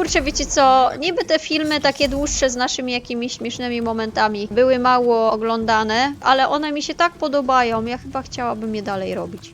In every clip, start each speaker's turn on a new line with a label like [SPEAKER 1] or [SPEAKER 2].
[SPEAKER 1] kurczę, wiecie co, niby te filmy takie dłuższe z naszymi jakimiś śmiesznymi momentami były mało oglądane, ale one mi się tak podobają, ja chyba chciałabym je dalej robić.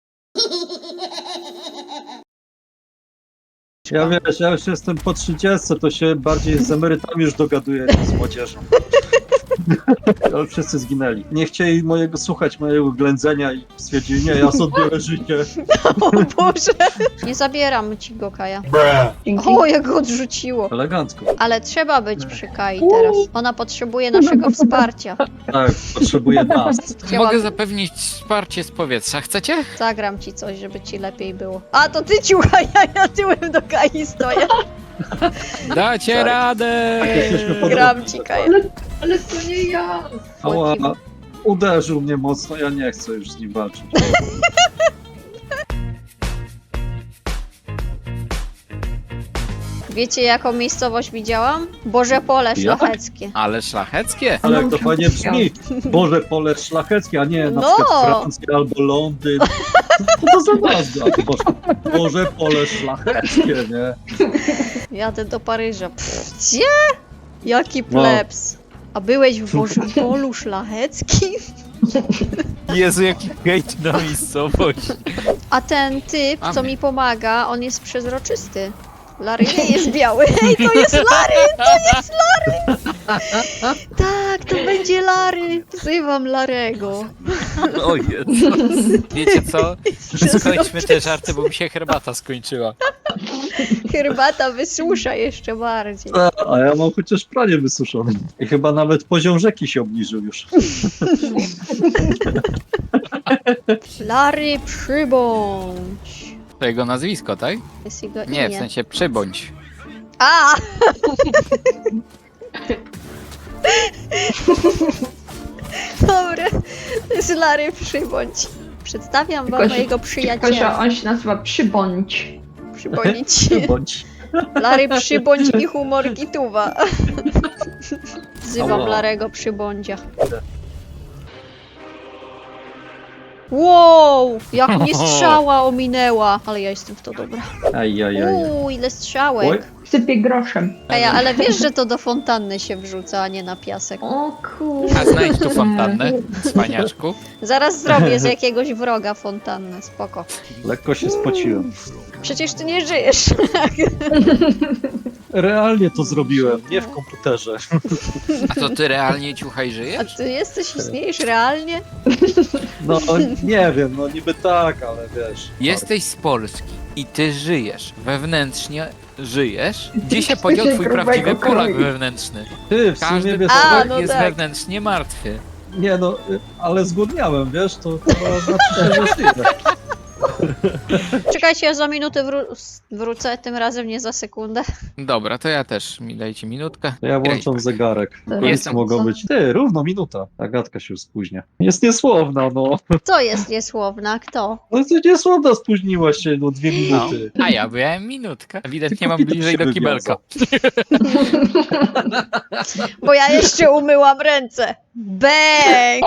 [SPEAKER 2] Ja wiesz, ja już jestem po 30, to się bardziej z emerytami już dogaduję niż z młodzieżą. Ale wszyscy zginęli. Nie chcieli mojego ględzenia i stwierdzili, nie, ja sobie odbiorę życie.
[SPEAKER 1] O Boże! Nie zabieram ci go, Kaja.
[SPEAKER 3] Dzięki.
[SPEAKER 1] O, jak go odrzuciło.
[SPEAKER 2] Elegancko.
[SPEAKER 1] Ale trzeba być przy Kai teraz. Ona potrzebuje naszego wsparcia.
[SPEAKER 2] Tak, potrzebuję nas.
[SPEAKER 4] Mogę zapewnić wsparcie z powietrza. Chcecie?
[SPEAKER 1] Zagram ci coś, żeby ci lepiej było. A, to ty ciuchaj, ja tyłem do Kai stoję.
[SPEAKER 4] Dacie
[SPEAKER 1] Tak.
[SPEAKER 4] radę!
[SPEAKER 2] Jesteśmy podobni.
[SPEAKER 1] Gram ci, Kaja.
[SPEAKER 3] Ale to nie ja.
[SPEAKER 2] Ała, uderzył mnie mocno, ja nie chcę już z nim walczyć.
[SPEAKER 1] Wiecie, jaką miejscowość widziałam? Boże Pole
[SPEAKER 2] Jak?
[SPEAKER 1] Szlacheckie.
[SPEAKER 4] Ale szlacheckie.
[SPEAKER 2] Ale jak to fajnie brzmi. Boże, pole szlacheckie, a nie na
[SPEAKER 1] No.
[SPEAKER 2] przykład Francja albo Londyn. Co to za nazwa? Boże, pole szlacheckie, nie?
[SPEAKER 1] Jadę do Paryża. Gdzie? Jaki plebs. A byłeś w Bożym Polu Szlacheckim?
[SPEAKER 4] Jezu, jaki hejt na miejscowość.
[SPEAKER 1] A ten typ, co
[SPEAKER 4] Mamy.
[SPEAKER 1] mi pomaga, on jest przezroczysty. Larry nie jest biały. Hej, to jest Larry! To jest Larry! Tak, to będzie Larry. Wzywam Larego.
[SPEAKER 4] O Jezu. Wiecie co? Skończmy te żarty, bo mi się herbata skończyła.
[SPEAKER 1] Herbata wysusza jeszcze bardziej.
[SPEAKER 2] A ja mam chociaż pranie wysuszone. I chyba nawet poziom rzeki się obniżył już.
[SPEAKER 1] Larry, przybądź.
[SPEAKER 4] To jego nazwisko, tak?
[SPEAKER 1] Jest jego
[SPEAKER 4] Nie, w
[SPEAKER 1] imię.
[SPEAKER 4] sensie przybądź.
[SPEAKER 1] A! Dobra, to jest Larry, przybądź. Przedstawiam wam mojego
[SPEAKER 3] Tylko, że
[SPEAKER 1] przyjaciela.
[SPEAKER 3] on się nazywa Przybądź.
[SPEAKER 1] Przybądź.
[SPEAKER 2] Bądź.
[SPEAKER 1] Larry, przybądź i humor Gituwa. Wzywam
[SPEAKER 2] Ała.
[SPEAKER 1] Larego, przybądzia. Wow! Jak mnie strzała ominęła! Ale ja jestem w to dobra.
[SPEAKER 2] Ajajaj.
[SPEAKER 1] Ile
[SPEAKER 2] Oj.
[SPEAKER 1] strzałek.
[SPEAKER 3] Sypie groszem.
[SPEAKER 1] Ale wiesz, że to do fontanny się wrzuca, a nie na piasek.
[SPEAKER 3] O kurde.
[SPEAKER 4] A znajdź tu fontannę, cwaniaczku.
[SPEAKER 1] Zaraz zrobię z jakiegoś wroga fontannę, spoko.
[SPEAKER 2] Lekko się spociłem.
[SPEAKER 1] Przecież ty nie żyjesz.
[SPEAKER 2] Realnie to zrobiłem, nie w komputerze.
[SPEAKER 4] A to ty realnie ciuchaj
[SPEAKER 1] A
[SPEAKER 4] żyjesz?
[SPEAKER 1] ty istniejesz realnie?
[SPEAKER 2] No nie wiem, no niby tak, ale wiesz.
[SPEAKER 4] Jesteś z Polski i ty żyjesz, wewnętrznie żyjesz. Gdzie się podział twój
[SPEAKER 3] Grubego
[SPEAKER 4] prawdziwy Polak
[SPEAKER 3] kroju.
[SPEAKER 4] wewnętrzny?
[SPEAKER 2] Ty, w
[SPEAKER 4] Każdy
[SPEAKER 2] sumie wiesz,
[SPEAKER 1] A,
[SPEAKER 4] Polak
[SPEAKER 1] no
[SPEAKER 4] jest
[SPEAKER 1] tak.
[SPEAKER 4] wewnętrznie martwy.
[SPEAKER 2] nie no, ale zgłodniałem, wiesz, to chyba znaczy się, że żyję.
[SPEAKER 1] Czekajcie, ja za minutę wrócę, tym razem nie za sekundę.
[SPEAKER 4] Dobra, to ja też. Dajcie minutkę.
[SPEAKER 2] To ja włączam zegarek.
[SPEAKER 3] Dobra,
[SPEAKER 4] Jestem.
[SPEAKER 2] Mogą być. Ty, równo minuta. Agatka się już spóźnia. Jest niesłowna, no.
[SPEAKER 1] Co jest niesłowna? Kto?
[SPEAKER 2] No ty niesłowna spóźniłaś się, no 2 minuty.
[SPEAKER 4] A ja byłem minutkę. Ewidentnie
[SPEAKER 2] Tylko
[SPEAKER 4] mam
[SPEAKER 2] Peter
[SPEAKER 4] bliżej
[SPEAKER 2] się
[SPEAKER 4] do kibelka.
[SPEAKER 1] Bo ja jeszcze umyłam ręce. Bang!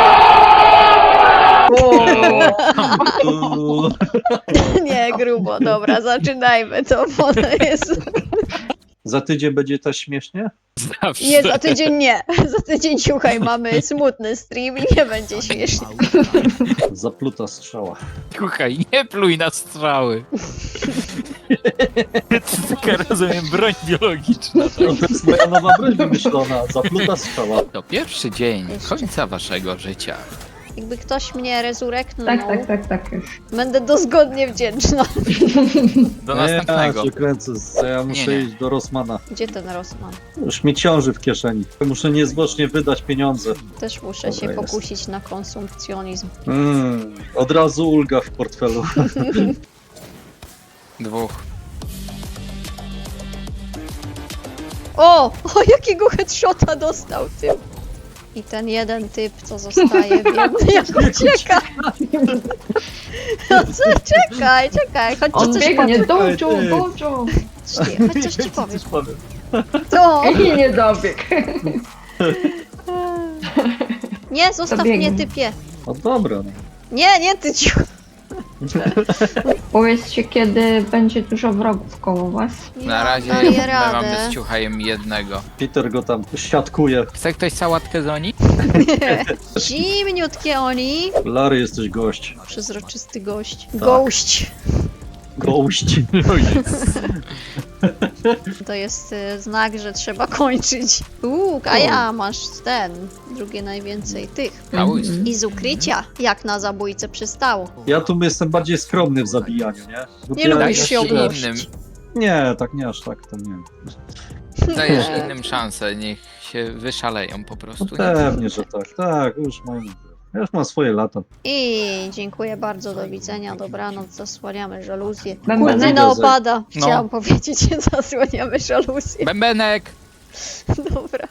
[SPEAKER 1] Nie, grubo. Dobra, zaczynajmy to, bo to jest...
[SPEAKER 2] Za tydzień będzie też śmiesznie?
[SPEAKER 4] Zawsze.
[SPEAKER 1] Nie, za tydzień nie. Za tydzień, słuchaj, mamy smutny stream i nie będzie śmiesznie.
[SPEAKER 2] Zapluta strzała.
[SPEAKER 4] Słuchaj, nie pluj na strzały. To taka, rozumiem, broń biologiczna.
[SPEAKER 2] To jest moja nowa broń wymyślona. Zapluta strzała.
[SPEAKER 4] To pierwszy dzień
[SPEAKER 1] Jeszcze.
[SPEAKER 4] końca waszego życia.
[SPEAKER 1] Jakby ktoś mnie rezureknął,
[SPEAKER 3] Tak już.
[SPEAKER 1] będę dozgodnie wdzięczna.
[SPEAKER 4] Do
[SPEAKER 2] Ja
[SPEAKER 4] następnego.
[SPEAKER 2] się kręcę, ja muszę
[SPEAKER 4] Nie.
[SPEAKER 2] iść do Rossmana.
[SPEAKER 1] Gdzie ten Rosman?
[SPEAKER 2] Już mi ciąży w kieszeni. Muszę niezwłocznie wydać pieniądze.
[SPEAKER 1] Też muszę
[SPEAKER 2] Dobra,
[SPEAKER 1] się
[SPEAKER 2] jest.
[SPEAKER 1] pokusić na konsumpcjonizm.
[SPEAKER 2] Od razu ulga w portfelu.
[SPEAKER 4] Dwóch.
[SPEAKER 1] O, jakiego headshota dostał typ. I ten jeden typ, co zostaje, biedny, jak ucieka. No co, czekaj, chodź
[SPEAKER 3] On
[SPEAKER 1] coś
[SPEAKER 3] biegnie,
[SPEAKER 1] powiem.
[SPEAKER 3] dołczą,
[SPEAKER 2] Ty.
[SPEAKER 3] dołczą.
[SPEAKER 1] Chodź coś ci powiem.
[SPEAKER 2] Coś powiem.
[SPEAKER 1] To!
[SPEAKER 3] I nie dobieg.
[SPEAKER 1] Nie, zostaw
[SPEAKER 3] To biegnie.
[SPEAKER 1] mnie, typie.
[SPEAKER 2] No dobra. No.
[SPEAKER 1] Nie, ty cicho.
[SPEAKER 3] Powiedzcie, kiedy będzie dużo wrogów koło was.
[SPEAKER 4] Na razie
[SPEAKER 1] daję
[SPEAKER 4] my
[SPEAKER 1] radę.
[SPEAKER 4] mamy z ciuchajem jednego.
[SPEAKER 2] Peter go tam siatkuje.
[SPEAKER 4] Chce ktoś sałatkę z oni?
[SPEAKER 1] Zimniutkie oni.
[SPEAKER 2] Larry, jesteś gość.
[SPEAKER 1] Przezroczysty gość.
[SPEAKER 2] Tak.
[SPEAKER 1] Gość.
[SPEAKER 2] Gość.
[SPEAKER 1] To jest znak, że trzeba kończyć. A ja masz drugie najwięcej tych.
[SPEAKER 4] Małyś.
[SPEAKER 1] I z ukrycia, jak na zabójcę przystało.
[SPEAKER 2] Ja tu jestem bardziej skromny w zabijaniu, nie? Bo
[SPEAKER 1] Nie
[SPEAKER 2] ja
[SPEAKER 1] lubisz
[SPEAKER 4] Dajesz
[SPEAKER 1] się
[SPEAKER 2] jeszcze-
[SPEAKER 1] ogłosić.
[SPEAKER 4] innym,
[SPEAKER 2] Nie, tak nie aż tak, to nie.
[SPEAKER 4] dajesz innym szansę, niech się wyszaleją po prostu.
[SPEAKER 2] No pewnie, że tak. Tak, już mam. Ja już mam swoje lata.
[SPEAKER 1] I dziękuję bardzo, do widzenia, dobranoc, zasłaniamy żaluzję.
[SPEAKER 3] Bębenek.
[SPEAKER 1] Kurtyna opada,
[SPEAKER 4] No.
[SPEAKER 1] chciałam powiedzieć, zasłaniamy żaluzję.
[SPEAKER 4] Bębenek!
[SPEAKER 1] Dobra.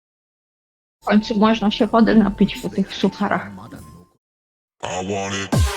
[SPEAKER 3] W końcu można się wody napić po tych sucharach.
[SPEAKER 5] I want it.